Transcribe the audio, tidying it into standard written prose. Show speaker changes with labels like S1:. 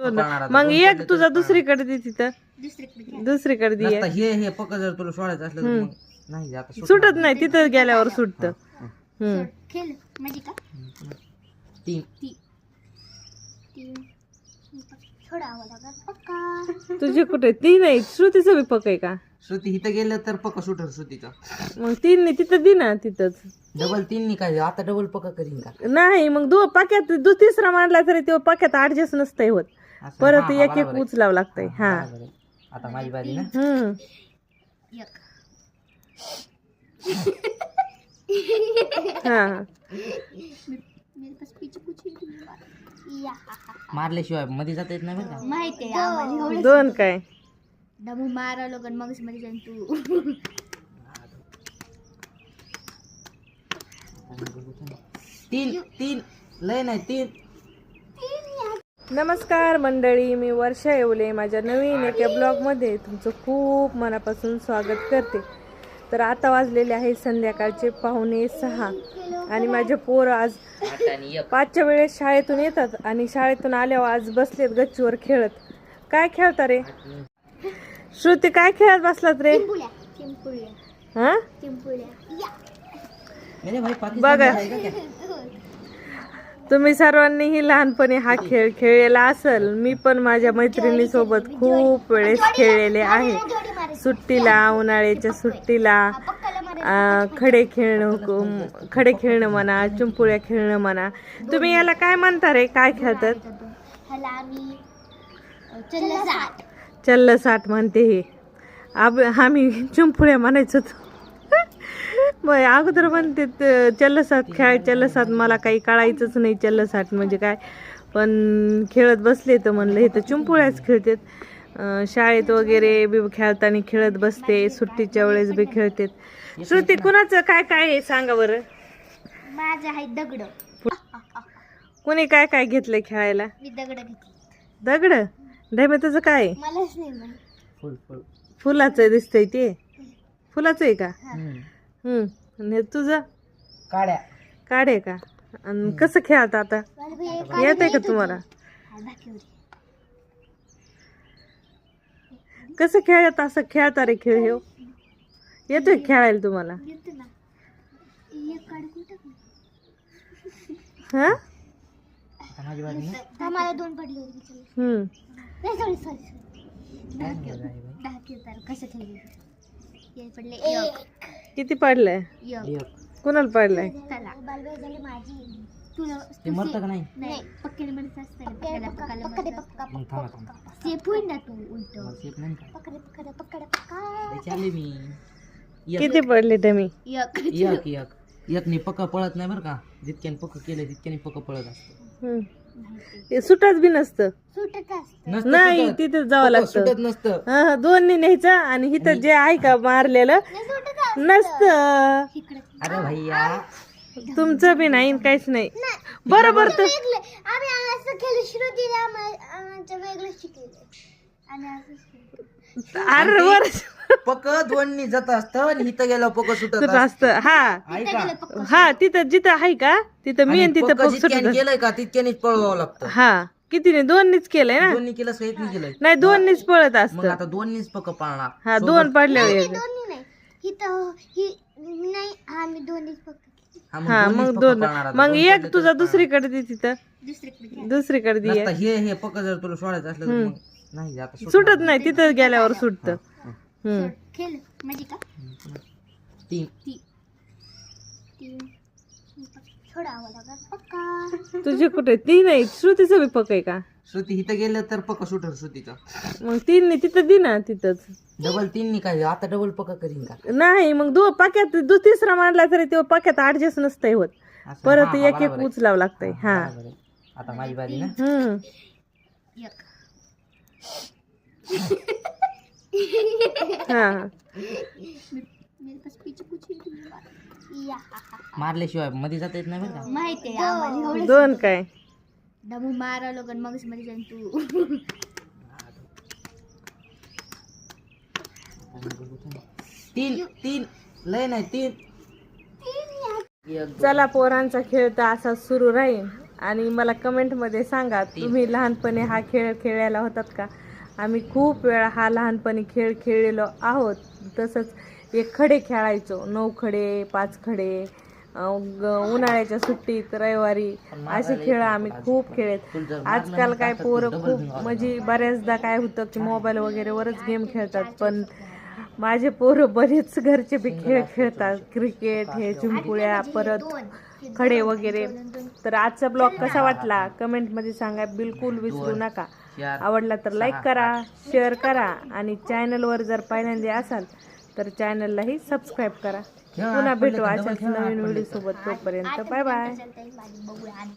S1: मग एक तुझा दुसरीकडे दे तिथं दुसरीकडे दे
S2: आता हे पक्क जर तुला सोडायचं असलं तर मग नाही आता
S1: सुटत नाही तिथं गेल्यावर सुटत
S3: खेळ म्हणजे का
S2: तीन
S3: सोडावं लागत पक्का
S1: तुझे कुठे तीन आहे श्रुतीचं बी पक आहे का
S2: श्रुती इथं गेलं तर पक्क सुटर श्रुतीचा
S1: मग तीन नाही तिथं दे ना तिथंच
S2: डबल तीन काय आता डबल पक्का करीन का
S1: नाही मग पाक्यात तिसरा मांडला तरी ते पाक्यात ऍडजस्ट नसतंय होत
S2: असं,
S1: परत
S2: हा,
S1: एक
S2: बरोबर आहे.
S1: उचलावं लागतंय हा
S2: बरोबर आहे. आता माझी बारी ना
S3: एक
S1: हा
S3: मेरे पास पीछे कुछ नहीं या
S2: मारल्याशिवाय मध्ये जाता येत नाही बरं का
S3: माहिती आहे आम्हाला एवढं
S1: दोन काय
S3: दमू मारा लोक मग मध्ये जाईन तू
S2: तीन तीन लय नाही तीन
S1: नमस्कार मंडळी, मी वर्षा येवले माझ्या नवीन एका ब्लॉगमध्ये तुमचं खूप मनापासून स्वागत करते. तर आता वाजलेले आहे संध्याकाळचे 5:45 आणि माझे पोरं आज 5च्या वेळेस शाळेतून येतात आणि शाळेतून आल्यावर आज बसलेत गच्चीवर खेळत. काय खेळता रे श्रुती, काय खेळत बसलात रे? हा बघा, तुम्ही सर्वांनीही लहानपणी हा खेळ खेळलेला असेल. मी पण माझ्या मैत्रिणी सोबत खूप वेळेस खेळलेले आहे. सुट्टीला, उन्हाळ्याच्या सुट्टीला खडे खेळणं म्हणा, चिंपुळ्या खेळणं म्हणा. तुम्ही याला काय म्हणता रे? काय खेळतात? चल्लसाट म्हणते हे. आम्ही चिंपुळ्या म्हणायचो. अगोदर म्हणते चल्लसाट खेळ. चल्लसाट मला काही कळायचंच नाही चल्लसाट म्हणजे काय, पण खेळत बसले तर म्हणलं हे तर चिंपुळ्याच खेळतात. शाळेत वगैरे बी खेळताना खेळत बसते, सुट्टीच्या वेळेस बी खेळते. श्रुती, कुणाचं काय काय आहे सांगा बरं?
S3: माझं आहे दगड.
S1: कुणी काय काय घेतलंय खेळायला?
S3: मी दगड घेतली.
S1: दगड ढेमे तुझं काय आहे?
S3: मलाच नाही माहित.
S1: फुलाचं दिसतंय ते. फुलाचं आहे का? आणि तुझं काढे का? आणि कसं खेळता आता? येत आहे का तुम्हाला? कसं खेळत असं खेळता रे खेळ हे? येतोय खेळायला तुम्हाला? हा
S3: मला दोन पडले कसं पडले?
S1: किती पडलंय? कुणाला पडलंय?
S2: ते मरतं का नाही
S3: नाही पक्क्याने म्हणत
S2: मग थांबा थांबा
S3: सेफ होईल ना तू उलट.
S2: मला शेप नाही का
S3: पकडे पकडे पकडे पकडे.
S2: चालले मी
S1: किती पडले तुम्ही?
S3: एक
S2: एकने पक्का पळत नाही बरं का. जितक्याने पक्क केलं तितक्याने पक्क पळत असतं.
S1: ते सुटत बी नसतं.
S3: सुटत असत.
S2: नसतं
S1: नाही,
S2: सुटत.
S1: तिथे जावं लागतं.
S2: सुटत नसतं.
S1: हा, दोन्ही न्यायचं आणि इथं जे आहे का मारलेलं नसतं.
S2: अरे भैया
S1: तुमचं बी नाही काहीच नाही. बरोबर तर
S3: आम्ही असं खेळ श्रुतीला आमच्या वेगळं शिकले आणि असं
S1: अरे वर्ष
S2: पक्क दोन्ही जात असतं आणि इथं गेलं पक्क सुटत
S1: असतं. हा
S2: ऐका
S1: हा, तिथं जिथं आहे का तिथं मी आणि तिथं
S2: पक्क
S1: पग
S2: जितक्याने
S1: सुटत.
S2: केलंय का तितक्यानेच पळवावं लागतं.
S1: हा, कितीने? दोननीच केलंय ना?
S2: दोन्ही केलं सहित नाही केलंय.
S1: नाही, दोननीच पळत
S2: मग
S1: असतं.
S2: आता दोन्हीच पक्क पाळणार.
S1: हा, दोन पडल्यावर
S3: दोन्ही नाही इथं ही नाही आम्ही दोन्हीच फक्त
S1: हा,
S2: दोन्हीच
S1: मग
S2: पक्क
S1: दोन.
S2: पाळणार आता.
S1: मग
S2: दोन
S1: एक
S2: पडले
S1: तुझा
S2: तर
S1: दुसरीकडे दे तिथं
S3: दुसरीकडे
S1: दुसरीकडे दे.
S2: आता हे पक्क जर तुला सोडायचं असलं तर मग नाही आता
S1: सुटत नाही, तिथं गेल्यावर सुटत.
S3: खेळ म्हणजे का
S2: तीन
S3: सोडावं लागत पक्का.
S1: तुझे कुठे तीन आहे? श्रुतीचं बी पक आहे का?
S2: श्रुती इथं गेलं तर पक्क सुटर श्रुतीचा.
S1: मग तीन तिथं दे ना तिथंच.
S2: डबल तीन काय आता डबल पक्का करीन का?
S1: नाही मग पाक्यात तिसरा मांडला तरी ते पाक्यात ऍडजस्ट नसतंय होत.
S2: असं,
S1: परत
S2: हा,
S1: एक
S2: बरोबर आहे.
S1: उचलावं लागतंय. हा
S2: बरोबर आहे. आता माझी बारी ना
S3: एक
S1: हा
S3: मेरे पास पीछे कुछ नहीं या
S2: मारल्याशिवाय मध्ये जाता येत नाही बरं का.
S3: माहिती आहे आम्हाला एवढं.
S1: दोन काय?
S3: दमू मारा लोक मग मध्ये जाईन तू.
S2: तीन तीन लय नाही तीन.
S1: चला, पोरांचा खेळ तर असा सुरू राहील. आणि मला कमेंटमध्ये सांगा तुम्ही लहानपणी हा खेळ खेळायला होतात का. आम्ही खूप वेळा हा लहानपणी खेळ खेळलेलो आहोत. तसंच एक खडे खेळायचो, 9 खडे 5 खडे, उन्हाळ्याच्या सुट्टीत रविवारी असे खेळ आम्ही खूप खेळत. आजकाल काय पोरं खूप म्हणजे बऱ्याचदा काय होतं की मोबाईल वगैरेवरच गेम खेळतात, पण माझे पोरं बरेच घरचे बी खेळ खेळतात. क्रिकेट, हे चिंपुळ्या, परत खडे वगैरे. तर आजचा ब्लॉग कसा वाटला कमेंटमध्ये सांगा, बिलकुल विसरू नका. आवडला तर लाईक करा, शेअर करा आणि चॅनलवर जर पहिल्यांदा असाल तर चॅनललाही सबस्क्राईब करा. पुन्हा भेटू अशाच नवीन व्हिडिओ सोबत. तोपर्यंत बाय बाय.